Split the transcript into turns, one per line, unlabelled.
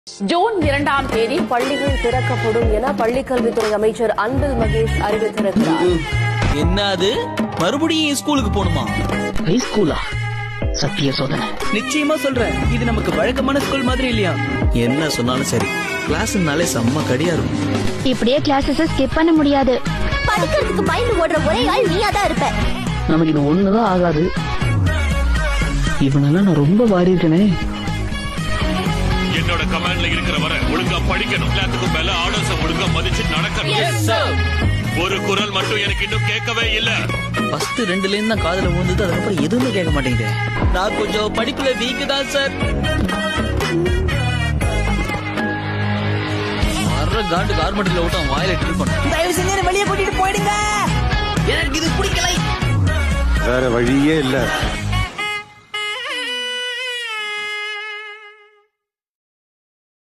June 2ஆம் தேதி பள்ளிகள் திறக்கப்படும் என பள்ளிக்கல்வித்துறை அமைச்சர் அன்பில் மகேஷ் அறிவித்திருக்கிறார்.
என்னது மறுபடியும் ஸ்கூலுக்கு போணுமா?
ஹை ஸ்கூலா? சத்திய சோதனை.
நிச்சயமா சொல்றேன், இது நமக்கு வழக்கமான ஸ்கூல் மாதிரி இல்லையா? என்ன சொன்னாலும் சரி, கிளாஸ்னாலே செம்ம கடியா இருக்கும்.
இப்படியே கிளாஸஸ் ஸ்கிப் பண்ண முடியாது.
படிக்கிறதுக்கு பயந்து ஓடுற ஒரே ஆள் நீயா தான் இருப்ப.
நமக்கு இது ஒண்ணுதான் ஆகாது. இவனெல்லாம் நான் ரொம்ப வாரி இருக்கனே.
என்னோட கமாண்ட்ல இருக்கிற வரை ஒழுங்கா படிக்கணும். எல்லாத்துக்கும் மேல ஆர்டர்ஸ் ஒழுங்கா மதிச்சு நடக்கணும். ஒரு குரல் மட்டும் எனக்கு இன்னும் கேட்கவே இல்ல.
ஃபர்ஸ்ட் 2 லைன் தான் காதுல விழுந்தது, அதுக்கப்புறம் எதுவுமே கேட்க மாட்டேங்குது. நான் கொஞ்சம் படிப்புல வீக் தான் சார். வர்ற காண்டு கார்மெண்ட்ல விட்டு அவன் வாயில ட்ரில் பண்ண.
தயவு செஞ்சு வெளியே கூட்டிட்டு போயிடுங்க.
எனக்கு இது பிடிக்கல.
வேற வழியே இல்ல.